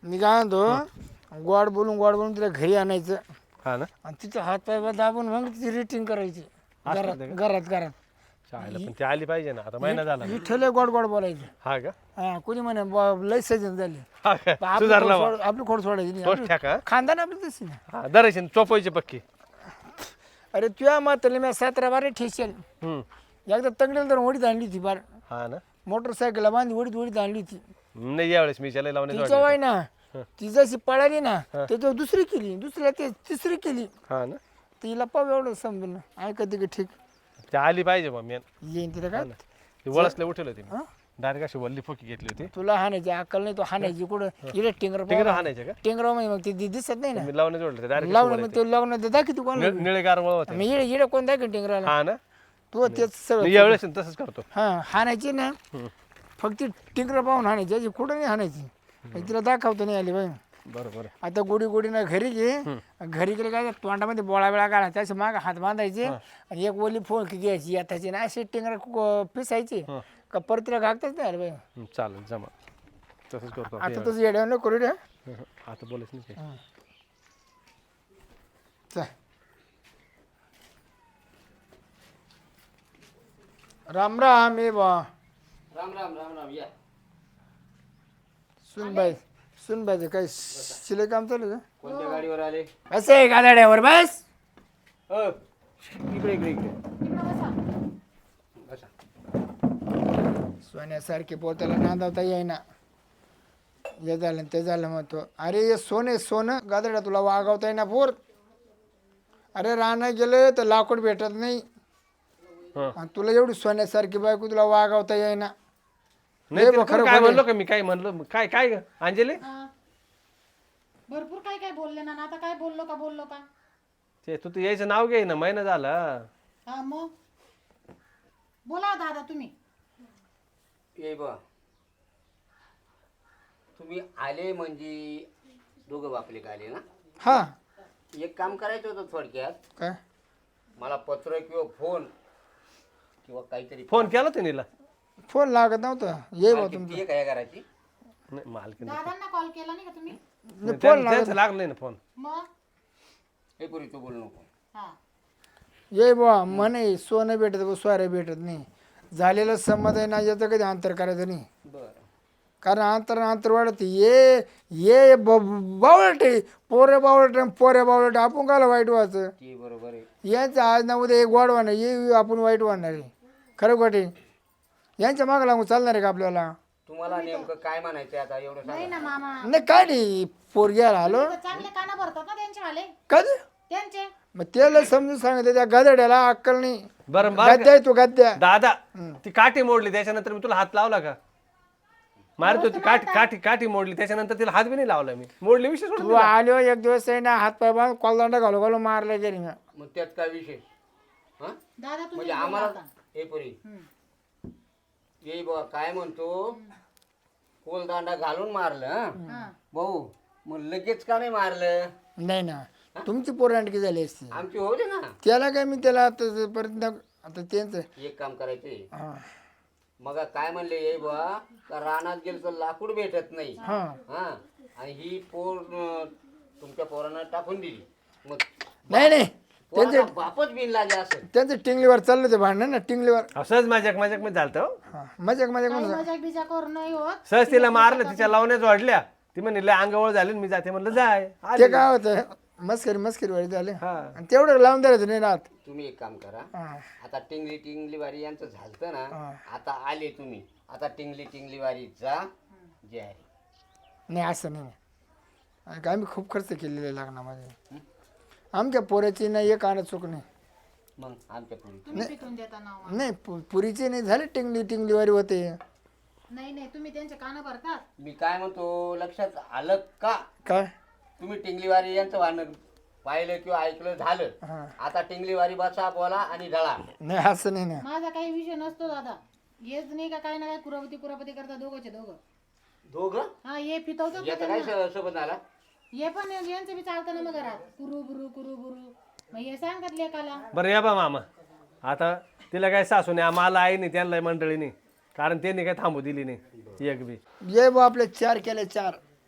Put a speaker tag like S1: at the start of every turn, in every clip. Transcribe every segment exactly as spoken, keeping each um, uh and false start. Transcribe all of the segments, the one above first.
S1: मी काय म्हणतो गोड बोलून गोड बोलून तिला घरी आणायचं
S2: हा ना
S1: आणि तिचे हात पाय दाबून मग तिची रेटिंग करायची घरात घरात घरात
S2: चालेल पण ती आली पाहिजे ना आता महिना झाला ना.
S1: विठ्ठल गोड गोड बोलायचं.
S2: हा का
S1: हा कोणी म्हणे ब- लय सजन झाली
S2: हा का
S1: आपली
S2: सुधारला
S1: खोड
S2: बा.
S1: सोड- आपली खोड सोडायची नाही
S2: तोच
S1: आपली-
S2: ठेका
S1: खानदान आपली तशी ना.
S2: हा दरायची चोपायची पक्की.
S1: अरे तुझ्या मात्र मी सतरा बारा ठेसेल
S2: हम्म
S1: एकदा तंगडीला तर ओढीत आणली ती बार
S2: हा ना
S1: मोटरसायकलला बांधी ओढीत ओढीत आणली ती
S2: नाही यावेळेस मी त्याला लावण्याचं
S1: तिच्या
S2: वाटलं.
S1: वय ना ती जशी पळाली ना त्याच्यावर दुसरी केली दुसऱ्या ते तिसरी केली
S2: हा ना
S1: तिला पाव एवढं समजून ऐका ती ठीक
S2: ती आली पाहिजे मग मी
S1: येईन तिला काय
S2: ती वळसले उठेल होती
S1: हा?
S2: डायरेक्ट अशी वल्ली फोकी घेतली होती.
S1: तुला हाणायची अक्कल नाही तो हाणायची कुठं इकडे टिंगर
S2: तिकडे हाणायचे का
S1: टिंगर मग ते दि- दिसत नाही ना
S2: मी लावण्याचं वाटलं डायरेक्ट
S1: लावणं मग ते लावणं दाखी तू कोण
S2: निळेगार वळ होते.
S1: मी इकडे इकडे कोण दाखी टिंगराला
S2: हा ना
S1: तू तेच सगळं
S2: मी यावेळेस तसंच करतो.
S1: हा हाणायची ना फक्त टिंगर पाहून हाणायची अशी कुठं नाही हाणायची मग तिला दाखवतो नाही आली बाई
S2: बरोबर
S1: आता गोडी गोडीनं घरी गे घरी गेले काय तोंडामध्ये बोळा बिळा काढायचा असे माग हात बांधायचे आणि एक ओली फोन घ्यायची याताची ना अशी टिंगर पिसायची का परत तिला घागताच नाही आलं बाई
S2: हं, चालेल जमा तसंच करतो
S1: आता तसं येड्या नको करू द्या
S2: हं, हं. आता बोलायच नाही काही.
S1: चल राम राम ये बा
S3: राम राम राम राम या
S1: सुनबाई सुनबाईचं काही शिलाई काम चालू आहे
S3: कोणत्या गाडीवर आले
S1: का असं आहे गाड्यावर बस
S3: हो इकडे इकडे इकडे बसा
S1: सोन्यासारखे पोत्याला नांदवता येईना हे झालं आणि ते झालं मग तो अरे हे सोने सोनं गादड्या तुला वागवता येईना पोर अरे राहणं गेलं तर लाकूड भेटत नाही
S2: हं.
S1: आणि तुला एवढी सोन्यासारखी बायको तुला वागवता येईना
S2: नाही
S1: बा,
S2: तिला
S1: खरं
S2: काय
S1: बोल.
S2: म्हणलो का मी काय म्हणलो काय काय ग अंजली
S4: हा. भरपूर काय काय बोलले ना आता काय बोललो का बोललो का
S2: ते तू तू यायचं नाव घे ना महिना झाला.
S4: हा मग बोला दादा तुम्ही
S3: ये बा तुम्ही आले म्हणजे दोघं बापले का आले ना
S1: हा
S3: एक काम करायचं होतं थोडक्यात
S1: काय
S3: मला पत्र किंवा फोन किंवा काहीतरी
S2: फोन केला तिनेला
S1: फोन लागत नव्हता ये बा
S3: मालकीण
S1: तुमचं
S3: ती आहे का या घराची
S2: नाही मालकीन
S4: दादांना कॉल केला नाही का तुम्ही
S1: नाही, फोन लागत
S2: त्यांचं लागलं नाही ना फोन.
S4: मग
S3: हे पुरी तू बोलू नको
S4: हा
S1: ये बा म्हणे सोनं भेटत बा सोयरे भेटत नाही झालेलं संमत आहे ना याचं कधी अंतर करायचं नाही
S3: बरं
S1: कारण अंतर अंतर वाढत ये ये बावळट पोरे बावळट पोरे बावळट आपण काला वाईट व्हायचं
S3: ती बरोबर आहे
S1: यांचं आज ना उद्या एक वाढ वाढणार ये आपण वाईट वाढणार आहे खरं खोटे यांच्या मागं लागून चालणार आहे का आपल्याला
S3: तुम्हाला नेमकं काय म्हणायचं आता एवढं
S4: नाही
S3: सांगा
S4: ना मामा
S1: नाही काय नाही पोरग्याला आलो
S4: तर चांगले काना भरतात ना त्यांचे वाले
S1: कधी
S4: त्यांचे
S1: मग त्याला समजून सांगितलं त्या गदड्याला अक्कल नाही
S2: बरं बरं
S1: गद्या आहे तू गद्या
S2: दादा ती काठी मोडली त्याच्यानंतर मी तुला हात लावला का मारत होती काठी काठी काठी मोडली त्याच्यानंतर तिला हात बी नाही लावला मी मोडली विषय सोडून
S1: तू
S2: दिला.
S1: आलो एक दिवस आहे ना हात पाय बांधून कॉलदांडा घालू घालू मारला गेली ना
S3: मग त्यात काय विषय हा
S4: दादा तुम्ही
S3: म्हणजे
S4: बोला
S3: आम्हाला
S4: आता.
S3: हे पुरी
S4: हम्म.
S3: ये बा काय म्हणतो कोलदांडा घालून मारलं हं?
S4: हा.
S3: भाऊ मग लगेच का नाही मारलं
S1: नाही ना तुमची पोरं आणखी झाली असती
S3: आमची होऊ दे ना
S1: त्याला काय मी त्याला आता परत आता त्यांचं
S3: एक काम करायचे
S1: हा
S3: मग काय म्हणले ये बा का रानात गेलं तर लाकूड भेटत नाही
S1: हा
S3: हा आणि ही पोर अं, तुमच्या पोरानं टाकून दिली मग
S1: नाही नाही
S3: पोराचा बापच बिन लागे असं
S1: त्यांचं टिंगलीवर चाललं ते भांडण ना टिंगलीवर
S2: असंच माझ्याक माझ्याक मध्ये झालं हो.
S1: हा मजाक मजाक
S4: काही
S1: म्हणून
S4: मजाक बिजाक करून नाही होत
S2: सहज तिला मारलं तिच्या लावण्याच वाढल्या ती म्हणली लय अंगावळ झाली मी जाते म्हणलं जाय आली.
S1: ते काय होतं मस्करी मस्करी वाढी झाले
S2: हा
S1: आणि तेवढं लावून द्यायचं नाही राहत
S3: तुम्ही एक काम करा
S1: हा
S3: आता टिंगली टिंगली वारी यांचं झालतं ना
S1: हा.
S3: आता आले तुम्ही आता टिंगली टिंगली वारी जा जे आहे
S1: नाही असं नाही आणि काय आम्ही खूप खर्च केलेला आहे लग्नामध्ये आमच्या पोऱ्याची नाही एक आणत चूक नाही
S3: मग आमच्या पुरी
S4: तुम्ही पिटून देता नाव
S1: नाही पु- पुरीची नाही झाली टिंगली टिंगलीवारी होते
S4: नाही नाही तुम्ही त्यांचे कान भरतात
S3: मी काय म्हणतो लक्षात आलं का
S1: काय
S3: तुम्ही टिंगलीवारी यांचं वाहन पाहिलं किंवा ऐकलं झालं
S1: हा
S3: आता टिंगलीवारी बसा बोला आणि ढळा
S1: नाही असं नाही ना
S4: माझा काही विषय नसतो दादा हेच नाही का काय ना काय कुरापती कुरापती करता दोघंचे दोघं
S3: दोघं
S4: हा हे पितवतो
S3: याचा काय स- सोबत आला
S4: हे पण यांचं बी चालतं ना मग घरात कुरू बुरू कुरू बुरू मग हे सांगतात लेकाला
S2: बरं या बा मामा आता तिला काय सासू नाही आम्हाला आई नाही त्यांना मंडळी नाही कारण त्यांनी काय थांबू दिली नाही एक बी
S1: ये बा आपले चार केले चार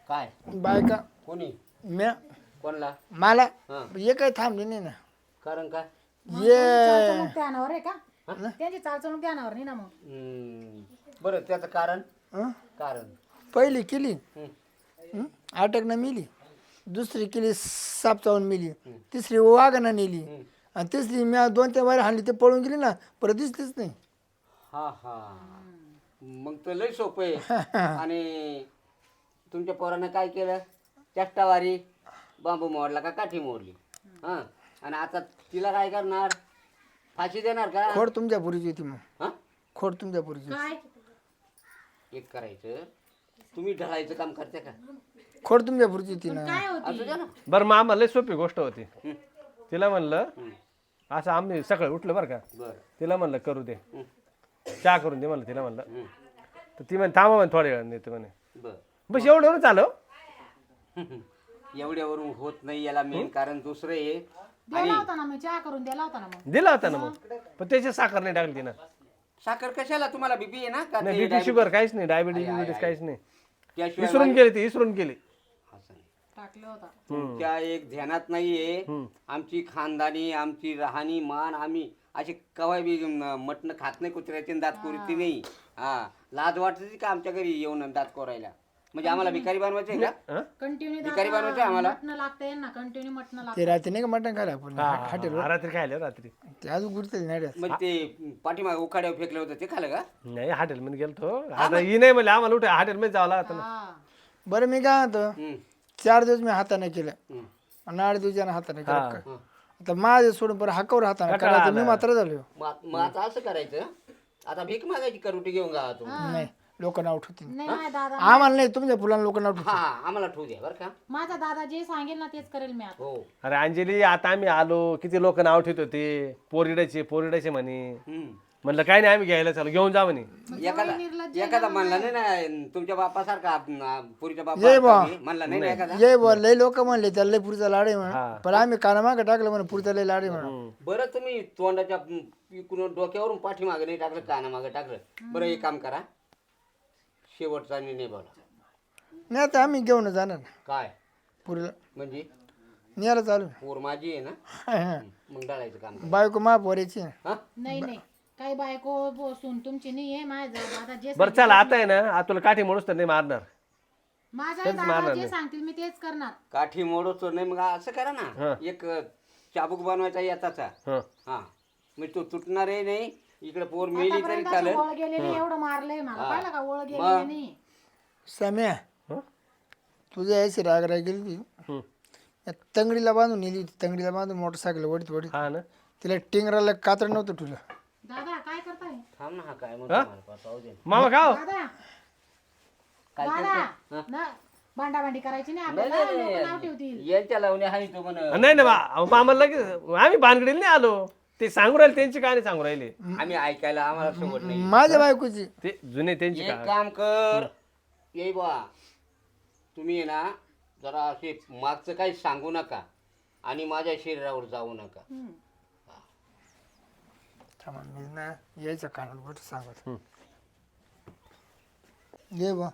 S3: काय
S1: बायका
S3: कोणी
S1: म्या
S3: कोणला
S1: मला
S3: हा.
S1: हे काही थांबले नाही ना
S3: कारण काय
S1: ये
S4: चालचणूक ध्यानावर आहे का त्यांची चालचणूक ध्यानावर नाही ना मग
S3: हम्म. बरं त्याचं कारण
S1: हं?
S3: कारण
S1: पहिली केली
S3: हं.
S1: हं? अटकनं मिली दुसरी केली साप चावून मिली तिसरी वाघानं नेली आणि तिसरी मी दोन तीन वारे हाणली ते पळून गेली ना परत दिसलीच नाही
S3: हा हा मग तर लय सोपं आहे आणि तुमच्या पोरानं काय केलं चष्टावारी बांबू मोडला का काठी मोडली हा आणि आता तिला काय करणार फाशी देणार का
S1: खोड तुमच्या पुरीची होती मग
S3: हा
S1: खोड तुमच्या पुरीची
S4: काय
S3: एक करायचं तुम्ही ढळायचं काम करते का
S1: खोड तुमच्या पुरीची होती ना
S4: काय होती
S3: असू द्या ना
S2: बरं मग आम्हाला लय सोपी गोष्ट होती तिला म्हणलं असं आम्ही सकाळी उठलं बरं का
S3: बरं
S2: तिला म्हणलं करू दे चहा करून दे म्हणलं तिला म्हणलं
S3: हं.
S2: तर ती म्हणे थांबा म्हणे थोड्या वेळ येते म्हणे
S3: बरं
S2: बस एवढं चालव
S3: एवढ्यावरून होत नाही याला मेन कारण दुसरं आहे
S4: दिला होता ना मग चहा करून दिला होता ना मग
S2: दिला होता ना मग पण त्याची साखर नाही टाकली तिनं
S3: साखर कशाला तुम्हाला बीपी आहे ना का
S2: नाही
S3: ते
S2: बीपी
S3: डायबिटीज?
S2: शुगर काहीच नाही डायबिटीज
S3: आहे, आहे,
S2: बिबिटीज काहीच नाही
S3: त्याशिवाय
S2: इसरून
S3: माझी-
S2: गेली ती इसरून गेली
S3: असं नाही.
S4: टाकलं होता
S3: तुमच्या एक ध्यानात नाहीये आमची खानदानी आमची राहणी मान आम्ही अशी कवाय बी मटण खात नाही कुत्र्याची आणि दात कोरती नाही हा लाज वाटते का आमच्या घरी येऊन दात कोरायला म्हणजे आम्हाला भिकारी बनवायचंय का
S2: हं?
S4: कंटिन्यू
S3: भिकारी बनवायचं आम्हाला
S4: मटणं लागतंय ना कंटिन्यू मटणं लागतं
S1: ते रात्री नाही का मटण खायला आपण
S2: हा,
S1: हॉटेल
S2: हा, रात्री खायला रात्री
S1: ते अजून गुरते नाही रे.
S3: म्हणजे ते पाठीमागे उखाड्यावर फेकलं होतं ते खालं का
S2: नाही हॉटेल मध्ये गेलतो आता ही नाही म्हणले आम्हाला उठे हॉटेल मध्ये जावं लागतं ना
S4: हा
S1: बरं मी काय म्हणतो
S3: हं,
S1: चार दिवस मी हाताने केलं
S3: हं.
S1: आणि आठ दिवसाने हाताने
S2: हा.
S1: केलं आता माझे सोडून बरं हाकावर हाताने करा मी मात्र झालो
S3: मग मग आता असं करायचं आता भीक मागायची करुटी घेऊन गा तू
S1: नाही लोक नाव ठेवतील
S4: नाही माझा दादा
S1: आम्हाला नाही तुमच्या फुलांना लोक नाव ठेवतील
S3: हा आम्हाला ठेवू द्या बरं का
S4: माझा दादा जे सांगेल ना तेच करेल मी आता
S3: हो
S2: अरे अंजली आता आम्ही आलो किती लोक नाव ठेवत होते पोरिडाचे पोरिडाचे म्हणे
S3: हं.
S2: म्हणलं काय नाही आम्ही घ्यायला चालू घेऊन जा म्हणे
S3: एखादा एखादा म्हणला नाही ना तुमच्या बापासारखा आप- पुरीच्या
S1: ये बा.
S3: बापा म्हणला नाही ना एखादा
S1: ये बोल लय लोक म्हणले त्याला लय पुरीचा लाड आहे म्हणा
S2: हा.
S1: पण आम्ही कानामागं टाकलं म्हणा पुरीचा लय लाड आहे म्हणा
S3: बरं तुम्ही तोंडाच्या इकडून डोक्यावरून पाठीमागं नाही टाकलं कानामागं टाकलं बरं एक काम करा शेवटचा निर्णय बोला
S1: नाही आता आम्ही घेऊन जाणार ना
S3: काय
S1: पुरीला
S3: म्हणजे
S1: न्यायला चालू
S3: पोर माझी आहे ना
S1: हा.
S3: मग डाळायचं काम करा.
S1: बायको मा पोरायची
S3: हा
S4: नाही नाही काही बायको बसून तुमची नाही आहे माझा दादा जे
S2: बरं चला आता आहे ना आता तुला काठी मोडूस तर नाही मारणार
S4: माझा दादा जे सांगतील मी तेच करणार
S3: काठी मोडतो नाही मग असं करा ना एक चाबूक बनवायचा याचा
S2: हं
S3: हा मग तो तुटणारही नाही इकडे पोर मेली तरी
S4: आतापर्यंत
S3: चालेल
S4: असं ओळ गेलेली एवढं मारलंय मला पाहिलं का ओळ गेलेली नाही
S1: सम्या
S2: हं?
S1: तुझ्या यायची राग राग गेली ती
S2: हं.
S1: या तंगडीला बांधून नेली होती तंगडीला बांधून मोटरसायकल वडीत वडीत
S2: हा ना
S1: तिला टिंगराला कातड नव्हतं तुला
S4: दादा काय करताय
S3: थांब ना हा काय म्हणतो मला पा- पाहू दे ना.
S2: मामा खाओ
S4: दादा
S3: काय
S4: दादा ना भांडाभांडी करायची नाही
S3: नाही,
S4: आपल्याला
S3: नाही,
S4: लोक नाव
S3: नाही.
S4: ठेवतील
S3: यांच्या लावण्या हानी तो म्हण
S2: नाही ना मा- मामा लगेच आम्ही भानगडीला नाही आलो ते सांगू राहिले त्यांची कहाणी सांगू राहिले
S3: आम्ही ऐकायला आम्हाला सोबत नाही
S1: माझ्या बायकोची
S2: ते जुने त्यांची
S3: एक
S2: कहाणी
S3: काम कर ये बा तुम्ही आहे ना जरा असे मागचं काही सांगू नका आणि माझ्या शरीरावर जाऊ नका
S1: थांबा, मी ना यायचं कानात बोट सांगत ये बा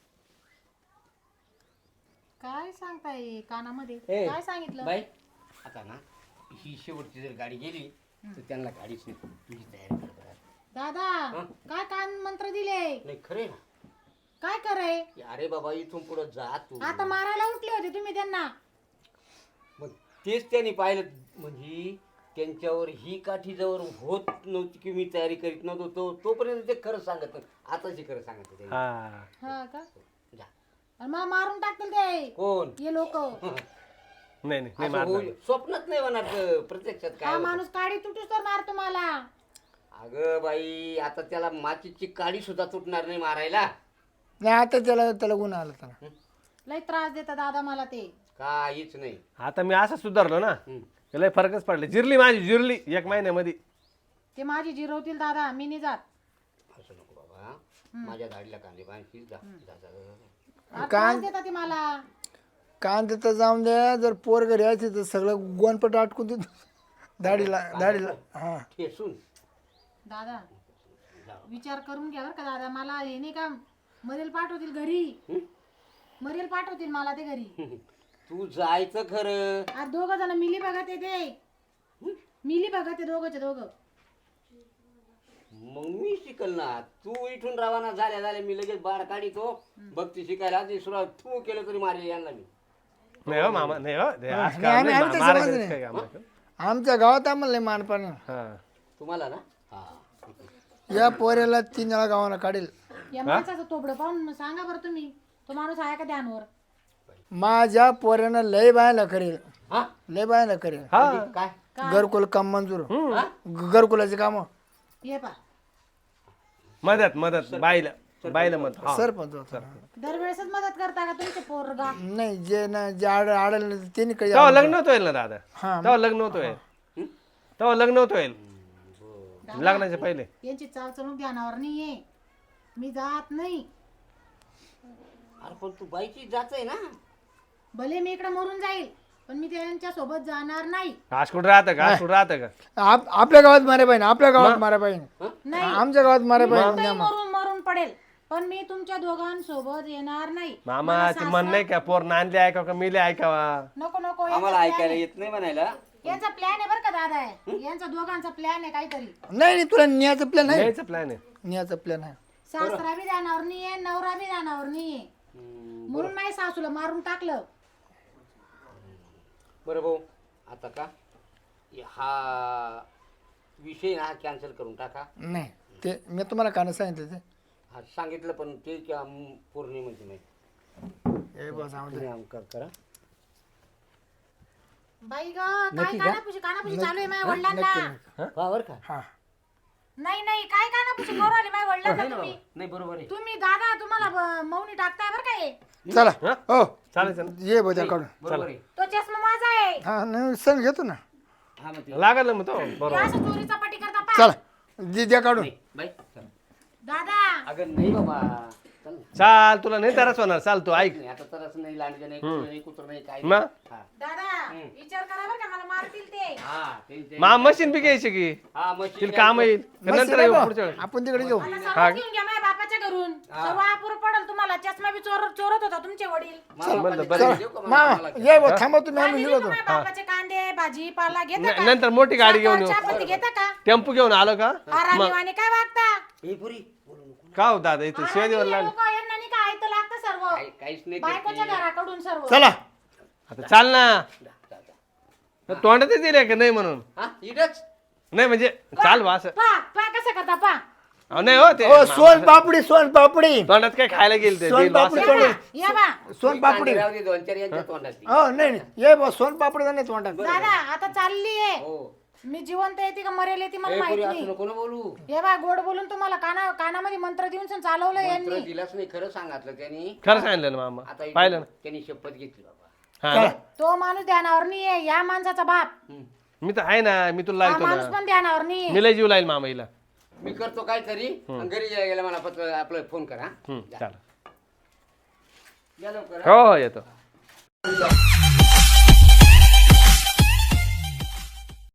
S4: काय सांगताय कानामध्ये
S3: ए,
S4: काय सांगितलं
S3: बाई आता ना ही शेवटची जर गाडी गेली तर त्यांना गाडीच नाही तुझी तयारी कर बरं.
S4: दादा काय कान मंत्र दिले
S3: नाही खरे ना
S4: काय कराय
S3: अरे बाबा इथून पुढे जा तू
S4: आता मारायला उठले होते तुम्ही त्यांना
S3: मग तेच त्यांनी पाहिलं म्हणजे त्यांच्यावर ही काठी जवळ होत नव्हती की मी तयारी करीत नव्हतो तो तोपर्यंत ते खरं सांगत नव्हतं. आताच खरं सांगत होते.
S2: हा
S4: हा का
S3: जा.
S4: आणि मग मारून टाकतील ते
S3: कोण
S4: हे लोक
S2: नाही नाही नाही
S3: असं
S2: मारणार
S3: होऊ- स्वप्नात नाही होणार तर प्रत्यक्षात काय
S4: हा
S3: होतं.
S4: माणूस काडी तुटूस तर मारतो मला
S3: अगं बाई आता त्याला माचीची काडी सुद्धा तुटणार नाही मारायला
S1: नाही आता त्याला त्याला गुन्हा आला त्याला
S4: लय त्रास देता दादा मला ते
S3: काहीच नाही
S2: आता मी असं सुधारलो ना
S3: हम्म.
S2: लय फरकच पडले जिरली माझी जिरली एक महिन्यामध्ये
S4: ते माझी जिरवतील दादा मी नाही जात
S3: असं नको बाबा माझ्या दाढीला कांदे बांधशील जा जा, जा, जा, जा.
S4: हा, त्रास देता ते मला
S1: कान देता जाऊन द्या जर पोर घरी यायचे तर सगळं गोनपट अटकून देतो दाढीला दाढीला हा
S3: ठेसून
S4: दादा विचार करून घ्या बरं का दादा मला हे नाही का मधील पाठवतील घरी मरेल पाठवतील मला ते घरी.
S3: तू जायचं खरं.
S4: आज दोघ जण मिली बघत येते, मिली बघत दोघंचे दोघं.
S3: मग मी शिकल ना. तू इथून रवाना झाल्या झाल्या मी लगेच बाळ काढितो. भक्ती शिकायला आधी सुरुवात तू केलं तरी मारेल यांना मी.
S2: नाही हो मामा नाही हो ते असं
S1: नाही,
S2: काम
S1: आम्ही-
S2: नाही,
S1: आम्ही तर
S2: मारा
S1: समजलं
S2: घरीच काय काम आहे.
S1: आमच्या गावात आम्हाला लय मानपान
S2: हा
S3: तुम्हाला ना हा
S1: या पोऱ्याला तीन वेळा गावाला काढेल.
S4: या माणसाचं तोबडं पाहून सांगा बरं तुम्ही, तो माणूस आहे का ध्यानवर?
S1: माझ्या पोऱ्यानं लय बायला करेल,
S3: हा
S1: लय बायला करेल.
S2: हा
S3: काय
S1: घरकुल काम मंजूर,
S3: हा?
S1: घरकुलाचे काम
S4: ये पा
S2: मदत मदत बाईला बाईला मदत हा.
S1: सरपंच होता.
S4: दरवेळेसच मदत करता का तुमचे पोरगा?
S1: नाही जे ना जे आड आडल त्यांनी काही
S2: तेव्हा लग्न होत होईल ना दादा,
S1: हा.
S2: तेव्हा लग्न होत होईल, तेव्हा लग्न होत होईल लग्नाच्या पहिले.
S4: यांची चालचणूक ध्यानावर नाहीये, मी जात नाही.
S3: अरे पण तू बाईची जाच आहे ना.
S4: भले मी इकडे मरून जाईल पण मी त्यांच्या सोबत जाणार नाही.
S2: आज कुठं राहतं का, आज कुठं राहतं का?
S1: आप- आपल्या गावात मारे पाहिजे, आपल्या गावात मारे पाहिजे,
S4: नाही
S1: आमच्या गावात मारे पाहिजे.
S4: कुठेही मरून मरून पडेल पण मी तुमच्या दोघांसोबत येणार नाही.
S2: मामा ते मन नाही का पोर नांदले ऐकावं का मिले ऐकावा.
S4: नको नको,
S3: आम्हाला ऐकायला येत नाही म्हणायला.
S4: यांचा प्लॅन आहे बरं का दादा आहे, यांचा दोघांचा प्लॅन आहे काहीतरी.
S1: नाही नाही तुला न्यायचं प्लॅन आहे,
S2: यायचं प्लॅन आहे.
S1: न्यायचं प्लॅन आहे.
S4: सासरा बी ध्यानावर नाहीये, नवरा बी ध्यानावर नाहीये, म्हणून माझ्या सासूला मारून टाकलं.
S3: बरं भाऊ आता का हा विषय ना कॅन्सल करून टाका.
S1: नाही ते मी तुम्हाला कानं सांगितलं ते
S3: हा सांगितलं पण ते क्या पौर्णिमेची नाही.
S1: हे बस आमचं.
S3: तुम्ही आमका करा.
S4: बाई ग काय कानापुशी कानापुशी चालू आहे माझ्या वडिलांना.
S3: हा बरं का
S1: हा
S4: नाही नाही काय कानापुशी करू आली माझ्या वडिलांना तुम्ही?
S3: नाही बरोबर आहे.
S4: तुम्ही दादा तुम्हाला ब- मौनी टाकताय बरं का हे?
S1: चला हो
S2: चालेल चालेल
S1: ये बद्या काढून.
S3: बरोबर आहे.
S4: तो चष्मा माझा आहे.
S1: हा नाही सण घेतो ना.
S3: हा मग ते
S2: लागल ना मग तो
S4: हे
S2: बरोबर.
S4: असं चोरीचा पट्टी करता पा.
S1: चला दे द्या काढून.
S3: नाही बाई चल.
S4: दादा
S3: अगं नाही बाबा चल ना.
S2: चाल तुला नाही तरच होणार, चाल तू ऐक.
S3: नाही आता तरच नाही लांडगे नाही कुत्र नाही कुत्र नाही काय
S2: मग?
S3: हा
S4: दादा विचार करा बरं का मला मारतील ते.
S3: हा ते- ते-
S2: मा मशीन बी घ्यायची की
S3: हा मशीन
S2: तिला काम येईल का
S1: मस्त
S2: नंतर येऊ
S1: आहे
S2: पुढच्या
S1: बा.
S2: वेळी.
S1: आपण तिकडे घेऊ.
S4: मला सर्व घेऊन घ्या माझ्या बापाच्या घरून. सर्व अपुरं पडल तुम्हाला. चष्मा बी चोर चोरत होता तुमचे वडील.
S3: मला
S2: बरं,
S3: पण
S2: बरं.
S3: देऊ का मला?
S1: मामा
S3: मला-
S1: ये बा थांबा तुम्ही आम्ही
S4: आणि
S1: निघतो.
S4: माझ्या बापाचे कांदे भाजीपाला घेता
S2: न-
S4: का?
S2: नंतर मोठी गाडी घेऊन येऊ.
S4: चहापत्ती घेता का?
S2: टेम्पो घेऊन आलो का
S4: आरामीवाणी काय वागता?
S3: हे पुरी बोलू नको.
S2: का हो दादा इथे शिवाय
S4: आरामी
S2: लागले.
S4: लोकं, यांना नाही का ऐकतं लागतं सर्व.
S3: काही- काहीच नाही
S4: बायकोच्या
S3: करते.
S4: घराकडून सर्व.
S1: चला
S2: आता चाल ना,
S3: जा, जा, जा.
S2: तोंडात दिले का नाही म्हणून.
S3: हा इडच
S2: नाही म्हणजे चाल बा असं.
S4: पा पा कसं करता पा.
S2: अहो, नाही हो ते
S1: ओ सोन पापडी सोन पापडी
S2: तोंडात काय खायला गेल ते
S1: सोन
S2: दिल बा असं.
S1: पापडी
S4: या बा, या बा.
S1: सोन पापडी
S3: राहू दे दोन चार यांच्या तोंडात ती.
S1: हो नाही नाही ये बा सोन पापडी नाही तोंडात.
S4: दादा आता चालली आहे.
S3: हो
S4: मी जिवंत येते का मरेल येते मला
S3: हे
S4: माहित
S3: पुरी
S4: नाही.
S3: असं नको ना बोलू.
S4: हे बा गोड बोलून तुम्हाला काना कानामध्ये मंत्र देऊन सण चालवलं
S3: मंत्र
S4: यांनी.
S3: दिलाच नाही खरं सांगितलं त्यांनी.
S2: खरं सांगितलं ना मामा,
S3: आता इथे
S2: पाहिलं ना.
S3: त्यांनी शपथ घेतली बाबा.
S2: हा ना.
S4: तो माणूस ध्यानावर नाहीये. या माणसाचा बाप
S3: हम्म.
S2: मी तर आहे ना, मी तुला
S4: हा
S2: लावतो
S4: माणूस
S2: ना,
S4: पण ध्यानावर नाहीये.
S2: मी लय जीव लाईल मामा हिला.
S3: मी करतो काहीतरी आणि घरी गेला गेला मला फक्त आपलं फोन करा.
S2: हम्म, चालेल.
S3: या लवकर.
S2: हो हो, येतो.